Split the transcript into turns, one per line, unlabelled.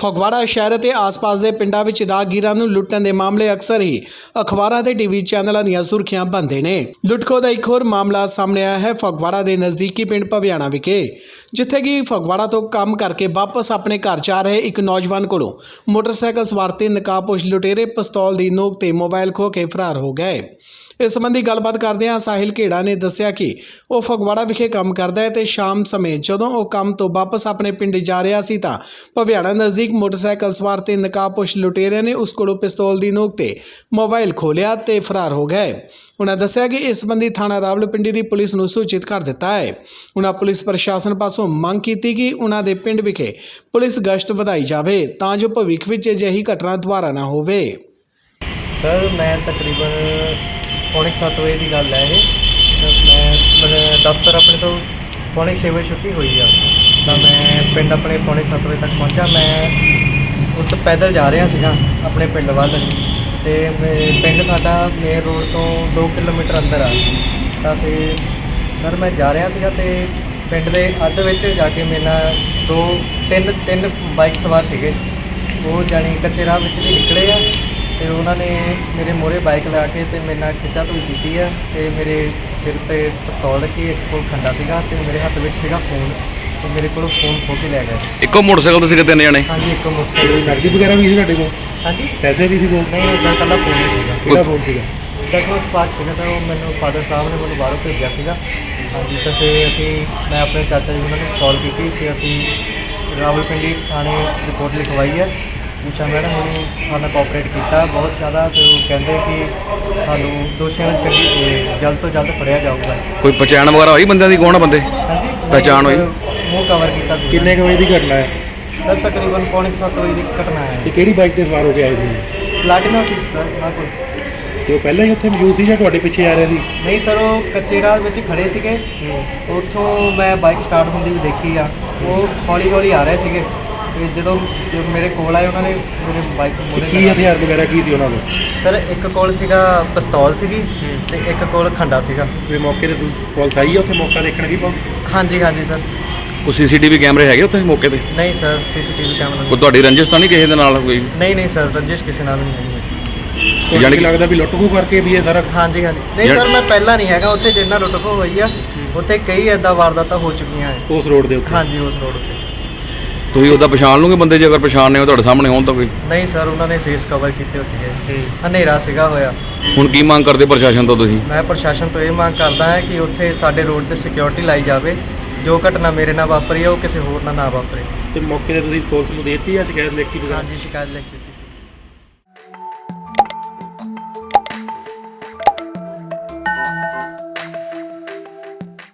ਫਗਵਾੜਾ ਸ਼ਹਿਰ ਅਤੇ ਆਸ-ਪਾਸ ਦੇ ਪਿੰਡਾਂ ਵਿੱਚ ਰਾਹਗੀਰਾਂ ਨੂੰ ਲੁੱਟਣ ਦੇ ਮਾਮਲੇ ਅਕਸਰ ਹੀ ਅਖਬਾਰਾਂ ਤੇ ਟੀਵੀ ਚੈਨਲਾਂ ਦੀਆਂ ਸੁਰਖੀਆਂ ਬਣਦੇ ਨੇ। ਲੁੱਟਖੋ ਦਾ ਇੱਕ ਹੋਰ ਮਾਮਲਾ ਸਾਹਮਣੇ ਆਇਆ ਹੈ ਫਗਵਾੜਾ ਦੇ ਨਜ਼ਦੀਕੀ ਪਿੰਡ ਭਵਿਆਣਾ ਵਿਖੇ, ਜਿੱਥੇ ਕਿ ਫਗਵਾੜਾ ਤੋਂ ਕੰਮ ਕਰਕੇ ਵਾਪਸ ਆਪਣੇ ਘਰ ਜਾ ਰਹੇ ਇੱਕ ਨੌਜਵਾਨ ਕੋਲੋਂ ਮੋਟਰਸਾਈਕਲ ਸਵਾਰ 3 ਨਕਾਬਪੋਸ਼ ਲੁਟੇਰੇ ਪਿਸਤੌਲ ਦੀ ਨੋਕ ਤੇ ਮੋਬਾਈਲ ਖੋਹ ਕੇ ਫਰਾਰ ਹੋ ਗਏ। ਇਸ ਸੰਬੰਧੀ ਗੱਲਬਾਤ ਕਰਦਿਆਂ ਸਾਹਿਲ ਘੇੜਾ ਨੇ ਦੱਸਿਆ ਕਿ ਉਹ ਫਗਵਾੜਾ ਵਿਖੇ ਕੰਮ ਕਰਦਾ ਹੈ ਤੇ ਸ਼ਾਮ ਸਮੇਂ ਜਦੋਂ ਉਹ ਕੰਮ ਤੋਂ ਵਾਪਸ ਆਪਣੇ ਪਿੰਡ ਜਾ ਰਿਹਾ ਸੀ ਤਾਂ ਭਵਿਆਣਾ ਨਜ਼ਦੀਕ ਮੋਟਰਸਾਈਕਲ ਸਵਾਰ 3 ਨਕਾਬਪੋਸ਼ ਲੁਟੇਰਿਆਂ ਨੇ ਉਸ ਕੋਲੋਂ ਪਿਸਤੌਲ ਦੀ ਨੋਕ ਤੇ ਮੋਬਾਈਲ ਖੋਹ ਲਿਆ ਤੇ ਫਰਾਰ ਹੋ ਗਏ। ਉਨ੍ਹਾਂ ਦੱਸਿਆ ਕਿ ਇਸ ਸੰਬੰਧੀ ਥਾਣਾ ਰਾਵਲਪਿੰਡੀ ਦੀ ਪੁਲਿਸ ਨੂੰ ਸੂਚਿਤ ਕਰ ਦਿੱਤਾ ਹੈ। ਉਨ੍ਹਾਂ ਪੁਲਿਸ ਪ੍ਰਸ਼ਾਸਨ ਪਾਸੋਂ ਮੰਗ ਕੀਤੀ ਕਿ ਉਨ੍ਹਾਂ ਦੇ ਪਿੰਡ ਵਿਖੇ ਪੁਲਿਸ ਗਸ਼ਤ ਵਧਾਈ ਜਾਵੇ ਤਾਂ ਜੋ ਭਵਿੱਖ ਵਿੱਚ ਅਜਿਹੀ ਘਟਨਾ ਦੁਬਾਰਾ ਨਾ ਹੋਵੇ।
ਸਰ ਮੈਂ ਤਕਰੀਬਨ पौने 7 बजे की गल है ये। मैं दफ्तर अपने तो पौने 6 बजे छुट्टी हुई है तो मैं पिंड अपने पौने 7 बजे तक पहुँचा। मैं उस पैदल जा रहा सीगा अपने पिंड वाल ते पिंड साडा मेन रोड तो 2 किलोमीटर अंदर आ तो फिर सर मैं जा रहा सीगा ते पिंड के अद्ध विच जाके मेरे नाल तीन बाइक सवार सीगे वो जानी कच्चे राह विच भी निकले आ ਤੇ ਉਹਨਾਂ ਨੇ ਮੇਰੇ ਮੋਹਰੇ ਬਾਈਕ ਲਾ ਕੇ ਤੇ ਮੇਰੇ ਨਾਲ ਖਿੱਚਾ ਧੂਈ ਕੀਤੀ ਹੈ ਤੇ ਮੇਰੇ ਸਿਰ ਤੇ ਪਿਸਤੌਲ ਰੱਖੀ, ਇੱਕ ਕੋਲ ਖੰਡਾ ਸੀਗਾ ਤੇ ਮੇਰੇ ਹੱਥ ਵਿੱਚ ਸੀਗਾ ਫੋਨ ਤੇ ਮੇਰੇ ਕੋਲੋਂ ਫੋਨ ਖੋਹ ਕੇ ਲੈ ਗਏ।
ਇੱਕੋ ਮੋਟਰਸਾਈਕਲ ਤੇ ਸੀਗੇ 3 ਜਣੇ?
ਹਾਂਜੀ ਇੱਕੋ ਮੋਟਰਸਾਈਕਲ।
ਨਕਦੀ ਵਗੈਰਾ ਵੀ ਸੀ ਤੁਹਾਡੇ ਕੋਲ?
ਹਾਂਜੀ
ਪੈਸੇ ਵੀ ਸੀ ਕੋਲ?
ਨਹੀਂ ਸਰ ਕੱਲਾ ਫੋਨ ਹੀ ਸੀਗਾ।
ਕਿਹੜਾ ਫੋਨ ਸੀਗਾ?
ਟੈਕਨੋ ਸਪਾਰਕ ਸੀਗਾ ਸਰ, ਉਹ ਮੈਨੂੰ ਫਾਦਰ ਸਾਹਿਬ ਨੇ ਮੈਨੂੰ ਬਾਹਰੋਂ ਭੇਜਿਆ ਸੀਗਾ। ਹਾਂਜੀ ਤਾਂ ਫਿਰ ਮੈਂ ਆਪਣੇ ਚਾਚਾ ਜੀ ਉਹਨਾਂ ਨੂੰ ਕਾਲ ਕੀਤੀ, ਫਿਰ ਅਸੀਂ ਰਾਵਲਪਿੰਡੀ ਥਾਣੇ ਰਿਪੋਰਟ ਲਿਖਵਾਈ ਹੈ। ਊਸ਼ਾ ਮੈਡਮ ਨੇ ਸਾਨੂੰ ਕੋਆਪਰੇਟ ਕੀਤਾ ਬਹੁਤ ਜ਼ਿਆਦਾ ਤੇ ਉਹ ਕਹਿੰਦੇ ਕਿ ਤੁਹਾਨੂੰ ਦੋਸ਼ੀਆਂ ਨੂੰ ਜਲਦ ਤੋਂ ਜਲਦ ਫੜਿਆ ਜਾਊਗਾ।
ਕੋਈ ਪਛਾਣ ਵਗੈਰਾ ਹੋਈ ਬੰਦਿਆਂ ਦੀ? ਕੌਣ ਆ ਬੰਦੇ?
ਹਾਂਜੀ
ਪਹਿਚਾਣ ਹੋਈ?
ਮੂੰਹ ਕਵਰ ਕੀਤਾ ਸੀ।
ਕਿੰਨੇ ਕੁ ਵਜੇ ਦੀ ਘਟਨਾ ਹੈ
ਸਰ ਤਕਰੀਬਨ ਪੌਣੇ 7 ਵਜੇ ਦੀ ਘਟਨਾ ਹੈ।
ਤੇ ਕਿਹੜੀ ਬਾਈਕ ਤੇ ਸਵਾਰ ਹੋ ਕੇ ਆਏ ਸੀ?
ਪਲਾਟੀਨਾ ਸੀ ਸਰ ਉਹਨਾਂ ਕੋਲ।
ਤੇ ਉਹ ਪਹਿਲਾਂ ਹੀ ਉੱਥੇ ਮੌਜੂਦ ਸੀ ਜਾਂ ਤੁਹਾਡੇ ਪਿੱਛੇ ਆ ਰਹੇ ਸੀ?
ਨਹੀਂ ਸਰ ਉਹ ਕੱਚੇ ਰਾਹ ਵਿੱਚ ਖੜੇ ਸੀਗੇ, ਉੱਥੋਂ ਮੈਂ ਬਾਈਕ ਸਟਾਰਟ ਹੁੰਦੀ ਵੀ ਦੇਖੀ ਆ। ਉਹ ਹੌਲੀ ਹੌਲੀ ਆ ਰਹੇ ਸੀਗੇ ਤੇ ਜਦੋਂ ਮੇਰੇ ਕੋਲ ਆਏ ਉਹਨਾਂ ਨੇ ਮੇਰੇ ਬਾਈਕ ਮੋਰੇ
ਕੀ ਹਥਿਆਰ ਵਗੈਰਾ ਕੀ ਸੀ ਉਹਨਾਂ ਕੋਲ?
ਸਰ ਇੱਕ ਕੋਲ ਸੀਗਾ ਪਿਸਤੌਲ ਸੀਗੀ ਤੇ ਇੱਕ ਕੋਲ ਖੰਡਾ ਸੀਗਾ।
ਤੇ ਮੌਕੇ ਤੇ ਪੁਲਿਸ ਆਈ ਆ ਉੱਥੇ ਮੌਕਾ ਦੇਖਣ ਦੀ?
ਹਾਂਜੀ ਹਾਂਜੀ ਸਰ।
ਕੋਈ ਸੀਸੀਟੀਵੀ ਕੈਮਰੇ ਹੈਗੇ ਉੱਥੇ ਮੌਕੇ ਤੇ?
ਨਹੀਂ ਸਰ ਸੀਸੀਟੀਵੀ ਕੈਮਰਾ
ਕੋਈ ਤੁਹਾਡੀ ਰੰਜਿਸ਼ ਤਾਂ ਨਹੀਂ ਕਿਸੇ ਦੇ ਨਾਲ ਕੋਈ?
ਨਹੀਂ ਸਰ ਰੰਜਿਸ਼ ਕਿਸੇ ਨਾਲ ਨਹੀਂ ਹੈਗੀ।
ਜਾਣੀ ਕਿ ਲੱਗਦਾ ਵੀ ਲੁੱਟ ਖੋਹ ਕਰਕੇ ਵੀ ਇਹ ਸਾਰਾ?
ਹਾਂਜੀ ਨਹੀਂ ਸਰ ਮੈਂ ਪਹਿਲਾਂ ਨਹੀਂ ਹੈਗਾ ਉੱਥੇ, ਜਿੰਨਾ ਲੁੱਟ ਖੋਹ ਹੋਈ ਆ ਉੱਥੇ ਕਈ ਇੱਦਾਂ ਵਾਰਦਾਤਾਂ ਹੋ ਚੁੱਕੀਆਂ ਹੈ
ਉਸ ਰੋਡ ਦੇ ਉੱਤੇ?
ਹਾਂਜੀ ਉਸ ਰੋਡ ਉੱਤੇ।
ਤੁਸੀਂ ਉਹਦਾ ਪਛਾਣ ਲਓਗੇ ਬੰਦੇ ਜੇ ਅਗਰ ਪਛਾਣਨੇ ਹੋ ਤੁਹਾਡੇ ਸਾਹਮਣੇ ਹੋਣ ਤਾਂ ਕੋਈ?
ਨਹੀਂ ਸਰ ਉਹਨਾਂ ਨੇ ਫੇਸ ਕਵਰ ਕੀਤੇ ਹੋ ਸੀਗੇ, ਹਨੇਰਾ ਸੀਗਾ ਹੋਇਆ।
ਹੁਣ ਕੀ ਮੰਗ ਕਰਦੇ ਪ੍ਰਸ਼ਾਸਨ ਤੋਂ ਤੁਸੀਂ?
ਮੈਂ ਪ੍ਰਸ਼ਾਸਨ ਤੋਂ ਇਹ ਮੰਗ ਕਰਦਾ ਹਾਂ ਕਿ ਉੱਥੇ ਸਾਡੇ ਰੋਡ ਤੇ ਸਿਕਿਉਰਿਟੀ ਲਾਈ ਜਾਵੇ। ਜੋ ਘਟਨਾ ਮੇਰੇ ਨਾਲ ਵਾਪਰੀ ਹੈ ਉਹ ਕਿਸੇ ਹੋਰ ਨਾਲ ਨਾ ਵਾਪਰੇ।
ਤੇ ਮੌਕੇ ਤੇ ਤੁਸੀਂ ਪੁਲਿਸ ਨੂੰ ਦੇ ਦਿੱਤੀ ਜਾਂ ਸ਼ਿਕਾਇਤ ਲਿਖਤੀ?
ਹਾਂਜੀ ਸ਼ਿਕਾਇਤ ਲਿਖਤੀ।